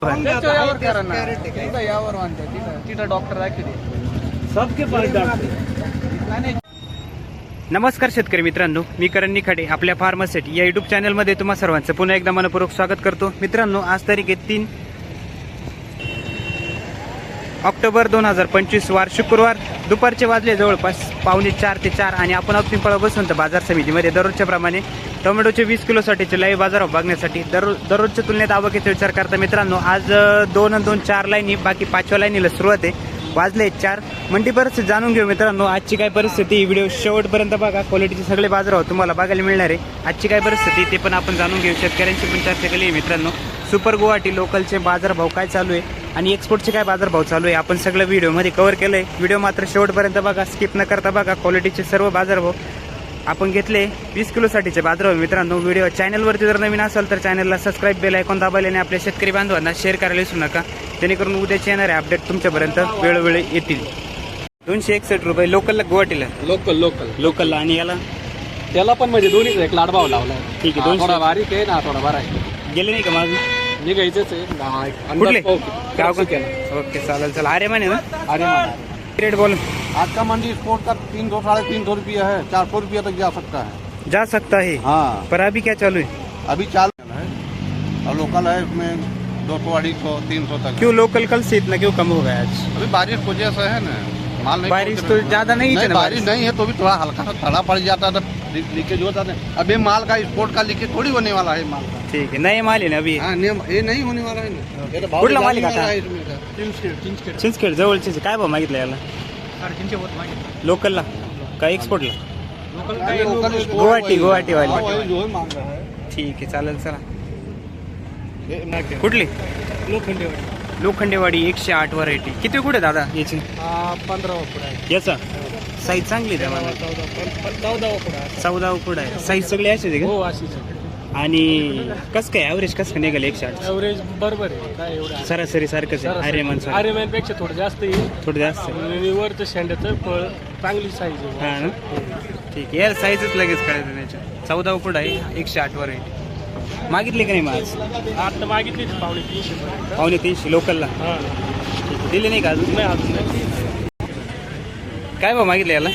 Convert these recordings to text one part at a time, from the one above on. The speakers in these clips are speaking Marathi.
यावर करा ना, तिथं यावर म्हणते, तिथं डॉक्टर दाखवते, सबके पास डॉक्टर. नमस्कार शेतकरी मित्रांनो, मी करण निखाडे आपल्या फार्मासिट या युट्यूब चॅनलमध्ये तुम्हा सर्वांचं पुन्हा एकदा मनपूर्वक स्वागत करतो. मित्रांनो, आज तारीख आहे 3 ऑक्टोबर 2025 वार शुक्रवार. दुपारचे वाजले जवळपास 3:45 ते 4 आणि आपण पिंपळा बसवंत बाजार समितीमध्ये दररोजच्या प्रमाणे टोमॅटोचे 20 किलोसाठीचे लाईव्ह बाजार बघण्यासाठी दररोजच्या तुलनेत आवकेचा विचार करता मित्रांनो, आज 2 आणि 2 4 लाईनी, बाकी 5व्या लाईनीला सुरुवात आहे. वाजले 4. मंडी परिस्थिती जाणून घेऊ मित्रांनो. आजची काय परिस्थिती, व्हिडिओ शेवटपर्यंत बघा. क्वालिटीचे सगळे बाजारभाव तुम्हाला बघायला मिळणार आहे. आजची काय परिस्थिती ते पण आपण जाणून घेऊ. शेतकऱ्यांची पण चर्चा केली आहे मित्रांनो. सुपर गुवाहाटी लोकलचे बाजारभाव काय चालू आहे आणि एक्सपोर्टचे काय बाजारभाव चालू आहे आपण सगळं व्हिडिओमध्ये कव्हर केलं आहे. व्हिडिओ मात्र शेवटपर्यंत बघा, स्किप न करता बघा. क्वालिटीचे सर्व बाजारभाव आपण घेतले 20 किलोसाठीचे बाजारभाव मित्रांनो. व्हिडिओ चॅनलवरती जर नवीन असेल तर चॅनलला सबस्क्राईब, बेल आयकॉन दाबायला आणि आपल्या शेतकरी बांधवांना शेअर करायला विसरू नका, जेणेकरून उद्याचे येणारे अपडेट तुमच्यापर्यंत वेळोवेळी येतील. 261 रुपये लोकलला, गुवाहाटीला लोकलला. आणि याला त्याला पण म्हणजे दोन्हीच एक लाडभाव लावला. ठीक आहे. थोडा बारीक आहे ना, थोडा बरा आहे. गेले नाही का माझं? निघायचंच आहे. कुठले गाव का? केलं. ओके, चालेल. चला, अरे माने ना, अरे रेट बोल. आज का मंडी स्पोर्ट का 300 साढ़े 300 रुपया है, 400 रुपया तक जा सकता है. जा सकता है. हाँ, पर अभी क्या चालू है? अभी चालू है और लोकल है इसमें 200, 250, 300 तक. क्यों लोकल कल से इतना क्यों कम हो गया आज? अभी बारिश की वजह से है ना, माल नहीं. बारिश तो ज्यादा नहीं है ना, बारिश नहीं है तो भी थोड़ा हल्का सा थड़ा पड़ जाता है, लीकेज होता है. अभी माल का स्पोर्ट का लीकेज थोड़ी होने वाला है माल का. ठीक है, नए माल है ना अभी. हाँ, ये नहीं होने वाला है ना. ये तो भाव कुठला माल जाने आहे वाला काका? है इसमें का. चिंचखेड जवळचे काय भाव मागितलं याला? लोकलला का एक्सपोर्टला? गुवाहाटी वाली. जो है मांग रहा है. ठीक आहे, चालेल. चला, कुठली? लोखंडेवाडी 108 व्हरायटी. किती कुठे दादा याची? 15 उकडा याचा साईज चांगली आहे मला. 14 उकडा आहे. साईज सगळी अशीच आहे का? हो, अशीच. आणि कसं काय ॲव्हरेज कसं काय निघालं 108? ॲव्हरेज बरोबर आहे. काय एवढं सरासरी सारखंच आहे. आर्यमॅन पेक्षा थोडं जास्त येईल. थोडं जास्त आहे. आणि वरचं शेंड्याचं फळ चांगली साईज आहे. हा ना, ठीक आहे. यार साईजच लगेच कळायचं त्याच्या. 14 उकडा आहे, 108 व्हरायटी. मागितली का नाही मग आज? आता मागितली 350. 350 लोकलला. हां, ठीक आहे. दिले नाही का अजून? नाही अजून नाही. काय भाव मागितलं याला?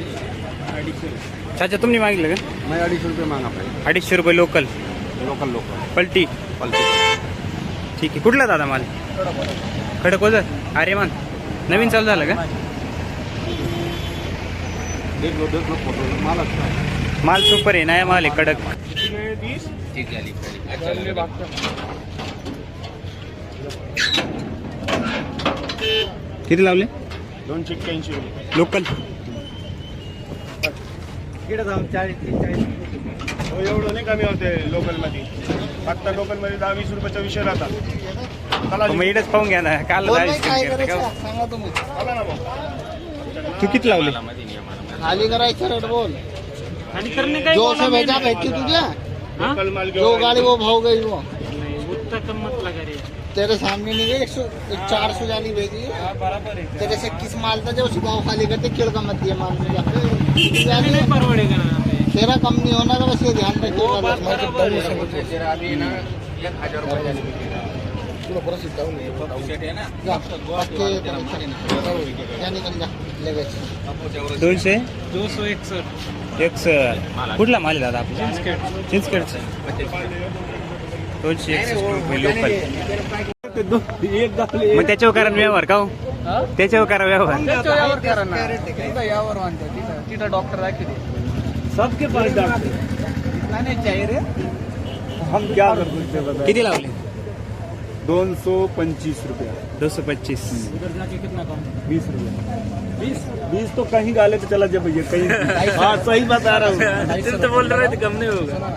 चाचा तुम्ही मागितलं का? मैं 250 रुपये मागा पाहिजे. 250 रुपये लोकल. लोकल पलटी. ठीक आहे. कुठला दादा माल? खडकोजर. अरे मान नवीन चालू झालं का? देख लो फोटो. माल अच्छा है. माल सुपर आहे, नया माल आहे, कडक. किती लावले? 281 रुपये. लोकल. एवढं नाही कमी होते लोकलमध्ये. फक्त लोकलमध्ये 10-20 रुपयाचा विषय राहतात. मग इकडेच पाहून घ्या ना. काल सांगा तुम्ही. तू किती लावले? खाली करायचं रेट बोल. आणि करणे काय जो से भेजा भेजती तुझे, लोकल माल जो गाड़ी वो भाव गई वो उत्तर कम मत लगा रे. तेरे सामने नहीं गई. 400 जाली भेजी. बराबर आहे. तेरे से किस माल था जो उसी भाव खाली करते किड़ का मत दिया माल मुझे. परवडेगा ना. तेरा कम नहीं होना का, बस ये ध्यान रखिएगा. दोनशे 261. कुठला माल आहे दादा आपला? चिंचखेडचं. 261 रुपये लोकल. मग त्याच्यावर करा व्यवहार का हो? त्याच्यावर करा व्यवहार. यावर म्हणते, तिथं डॉक्टर दाखवते, सबके पास डॉक्टर. नाही चाहिए रे. हम क्या कर सकते हैं? किती लावले? 225 रुपया. 225. 20 रुपया. 20 तो कहीं गाले तो चला जब भैया कहीं. हाँ, सही बता रहा हूँ. तुम तो बोल रहे थे कम नहीं होगा.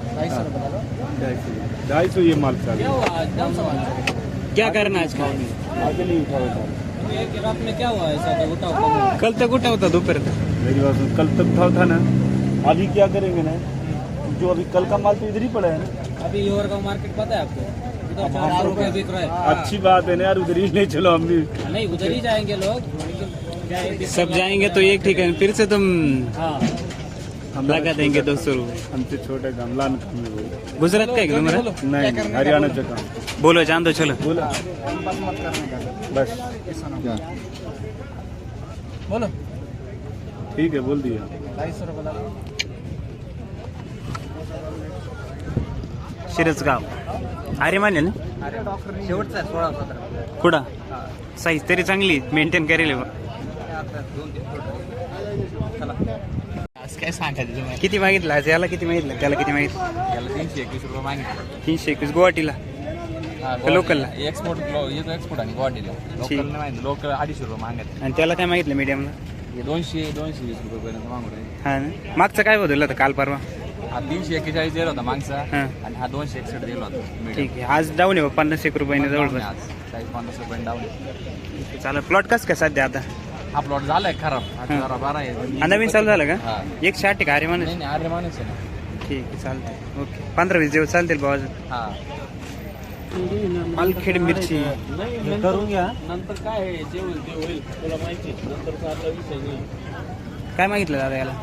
250 ये माल चाहिए. क्या करना आज का? आगे नहीं उठाओ. रात में क्या हुआ ऐसा? कल तक उठा होता दोपहर तक. मेरी बात सुन, कल तक था ना. अभी क्या करेंगे ना, जो अभी कल का माल तो इधर ही पड़ा है ना. अभी योर का मार्केट पता है आपको? इधर 400 रुपये बिक रहा है. अच्छी बात है ना यार, उधर ही नहीं. चलो हम भी नहीं, उधर ही जाएंगे लोग. सब जाएंगे तो एक ठिकान फिर से तुम हम लगा देंगे 200 रुपये. हमसे छोटे गमला में गुजरात का है का तुम्हारा? नहीं, हरियाणा का काम. बोलो जान दो चलो। बोला बस मत करने का बस बोलो। ठीक है, बोल दिया। 250 रुपये लागले. शिरसगाव. अरे माने ना अरे डॉक्टर शेवटचा 16-17 कुठं साईज तरी चांगली मेंटेन करेल बा. आता 2-3 फूट. चला आज काय सांगायचं तुम्हाला. किती मागितलं आज याला, किती मागितलं त्याला, किती मागितलं? याला 321 रुपये मागितले. 321 गुवाहाटीला. लोकलला? एक्सपोर्ट येतो एक्सपोर्ट आणि गुवाहाटीला. लोकल नाही माहिती, लोकल 250 रुपये मागत. आणि त्याला काय मागितलं मीडियमला? 200-220 रुपयेपर्यंत मागू राहिले. हा ना. मागचं काय बदललं होतं काल परवा? हा 341 दिला होता मागचा हां आणि हा 261 दिला होता medium. ठीक आहे. आज डाऊन आहे 50-1 रुपयाने जवळपास. आज 40-50 रुपये डाऊन. चालेल. प्लॉट कसं काय सध्या आता? हा प्लॉट झालाय खराब. हा 12 आहे. हा, नवीन चालू झालं का? हा. 160 आहे का अरे माणूस? नाही अरे माणूस आहे ना. ठीक आहे चालतंय. ओके 15-20 दिवस चालतील भाऊ अजून. हा पालखेड मिरची करून घ्या. नंतर काय आहे, जे होईल ते होईल, तुला माहिती. नंतरचा आता विषय नाही. काय मागितलं दादा याला?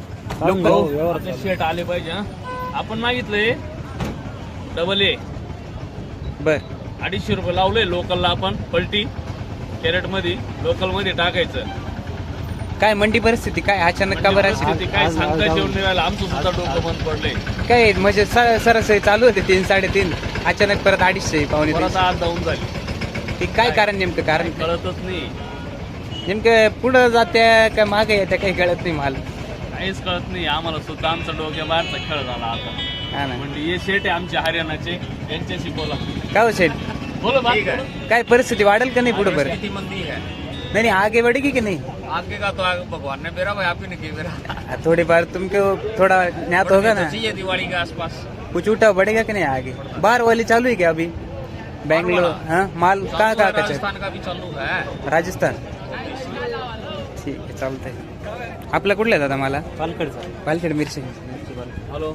आपले शेट आले पाहिजे हा. आपण मागितलंय डबल ए बर 250 रुपये लावले. लोकलला आपण पलटी कॅरेट मध्ये लोकल मध्ये टाकायचं. काय मंडी परिस्थिती काय अचानक का बरं परिस्थिती अशी? काय सांगता येऊन नाही राहिलं. आमचं सुद्धा डोकं बंद पडलंय. काय म्हणजे सरासरी चालू होते 3-3.5 अचानक परत 250 पावणे परत 300. आज जाऊन झाली. ते काय कारण नेमकं कारण काय? कळतच नाही. नेमकं पुढं जात्या का मागे येत्या काही कळत नाही मला. काहीच कळत नाही आम्हाला सुद्धा. आमचा डोक्या बाहेरचा खेळ झाला आता. हा ना. म्हणजे हे शेट आहे आमचे हरियाणाचे, यांच्याशी बोला. काय हो साहेब बोलो बात करो. काय परिस्थिती वाढेल का नाही पुढे बरं? किती मंदी है नहीं नहीं आगे बढ़ेगी कि नहीं? आगे का तो आगे भगवान ने मेरा भाई आप ही ने किया मेरा. थोड़ी बार तुमको थोड़ा ज्ञात होगा ना, चाहिए दिवाली के आसपास. कुछ उठा बढ़ेगा कि नहीं आगे? बाहर वाली चालू है क्या अभी? बेंगलोर हाँ माल कहाँ कहाँ का चल? राजस्थान का भी चालू है. राजस्थान. ठीक आहे चालतंय. आपला कुठला आहे दादा मला? पालकडचा. पालखेड मिरची. हॅलो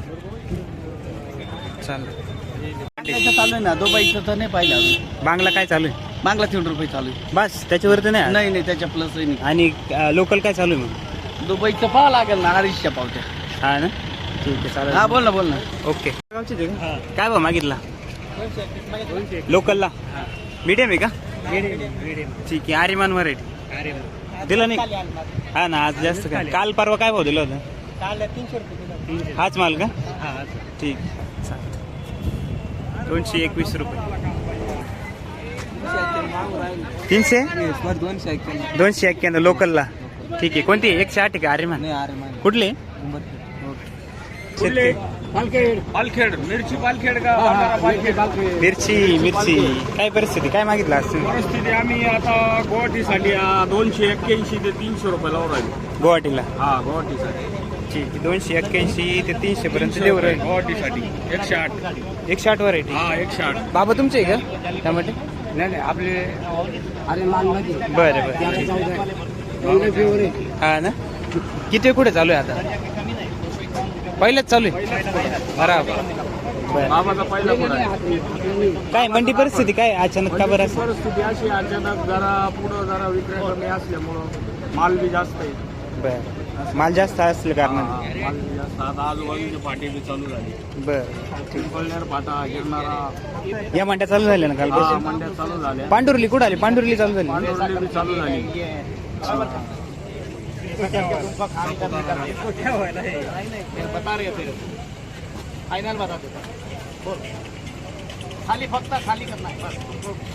चालतं. चालू आहे ना. दुबईचं तर नाही पाहिलं अजून. बांगला काय चालू आहे? बांगला 3 रुपये चालू आहे. बस त्याच्यावरती नाही. नाही नाही त्याच्या प्लस नाही. आणि लोकल काय चालू आहे मग? दुबईचं पाहा लागेल ना. 250 पावत्या. हा ना. ठीक आहे चालेल. हा बोल ना. ओके. काय बा मागितला लोकलला? मीडियम आहे का? ठीक आहे. आर्यमान व्हरायटी दिला नाही हा ना. आज जास्त काय काल परवा काय भाव दिला होता? 300 रुपये. हाच माल का? ठीक चालेल. 221 रुपये. 300 291 लोकलला. ठीक आहे. कोणती 108 आहे का आर्यमान? कुठले? शेतकरी. पालखेड मिरची पालखेड का भंडारा पालखेड. मिरची काय परिस्थिती काय मागितलं आज तुम्ही? परिस्थिती आम्ही आता गुवाहाटीसाठी 281 ते 300 रुपये लावून राहिलो. गुवाहाटीला? हा गुवाहाटीसाठी. ठीक आहे. 281 ते 300 पर्यंत देऊ राहील. गुवाहाटीसाठी 108. 108 व्हरायटी. हा 108. बाबा तुमचे आहे का टमाटे? नाही आपले अरे मान मध्ये. बरं हा ना. किती कुठे चालू आहे आता? पहिलेच चालू आहे बराबर. बाबाचा पहिला पुढा आहे. काय मंडी परिस्थिती काय अचानक का बरं असं? परिस्थिती अशी अचानक जरा पुढं जरा विक्रय कमी असल्यामुळं माल बी जास्त आहे. बरं माल जास्त असलं कारण. माल बी जास्त. आता आजूबाजूची पाटी बी चालू झाली. बरं पिंपळनेर पाटा गिरणारा या मंड्या चालू झाल्या ना काल? मंड्या चालू झाल्या. पांडुर्ली कुठं आली? पांडुर्ली चालू झाली. पांढरवली बी चालू झाली. बता रहे थे फाइनल बता देता. खाली फक्त खाली करना है बस.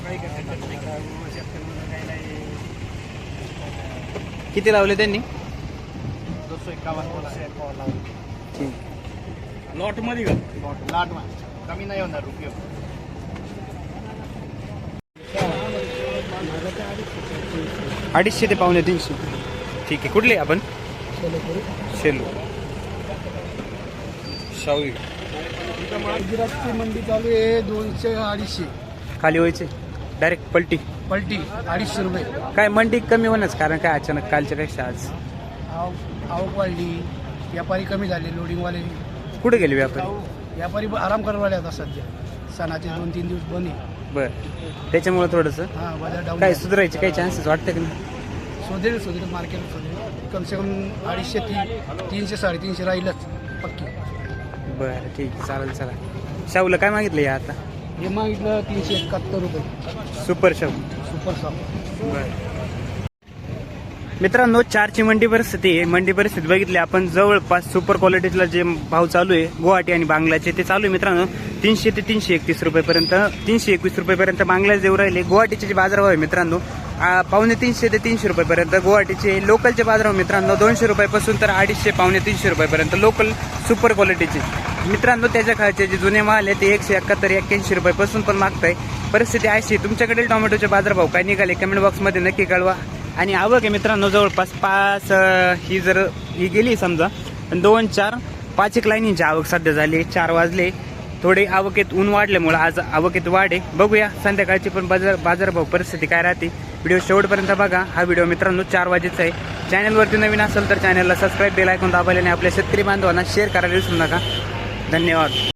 किती लावले त्यांनी? 251 बोला. ठीक. लॉट मध्ये का? लाट में कमी नाही होणार रुपये. 250 ते पावणे 300. ठीक आहे. कुठले आपण? शेलू शावी. गुजरातची मंडी चालू आहे 200-250. खाली व्हायचे डायरेक्ट पलटी. पलटी 250 रुपये. काय मंडी कमी होण्याच कारण काय अचानक कालच्या पेक्षा आज? आवक वाढली. व्यापारी कमी झाले. लोडिंगवाले कुठे गेले व्यापारी? व्यापारी आराम करायला वाले आता सध्या. सणाचे 2-3 दिवस बंद आहे. बरं त्याच्यामुळे थोडंसं हा बाजार डाऊन. काय सुधारायचे काही चान्सेस वाटतं की नाही? शोधेल मार्केट शोधेल. कमसे कम 250-300-350 राहीलच पक्की. बरं ठीक आहे चालेल. चला शाहूला काय मागितलं या आता? हे मागितलं 371 रुपये सुपर शॉप. Super soft. मित्रांनो, चारची मंडी परिस्थिती आहे. मंडी परिस्थिती बघितली आपण, जवळपास सुपर क्वालिटीला जे भाव चालू आहे गुवाहाटी आणि बांगलाचे ते चालू आहे मित्रांनो 300 ते 331 रुपयेपर्यंत, 321 रुपयेपर्यंत बांगलाच देऊ राहिले. गुवाहाटीचे जे बाजारभाव आहे मित्रांनो 250 ते 300 रुपयेपर्यंत. गुवाहाटीचे लोकलचे बाजारभाव मित्रांनो 200 रुपयापासून तर 250 पावणे 300 रुपयेपर्यंत लोकल सुपर क्वालिटीचे मित्रांनो. त्याच्या खालचे जे जुने माल आहे ते 171 81 रुपयापासून पण मागताय. परिस्थिती अशी, तुमच्याकडे टोमॅटोचे बाजारभाव काय निघाले कमेंट बॉक्समध्ये नक्की कळवा. आणि आवक आहे मित्रांनो जवळपास 5 ही जर ही गेली समजा 2 4 5 एक लाईनींची आवक सध्या झाली. 4 वाजले, थोडे आवकेत ऊन वाढल्यामुळे आज आवकेत वाढ आहे. बघूया संध्याकाळची पण बाजारभाव परिस्थिती काय राहते. व्हिडिओ शेवटपर्यंत बघा. हा व्हिडिओ मित्रांनो 4 वाजेचा आहे. चॅनलवरती नवीन असेल तर चॅनलला सबस्क्राईब बेल आयकॉन दाबायला आणि आपल्या शेतकरी बांधवांना शेअर करायला विसरू नका. धन्यवाद.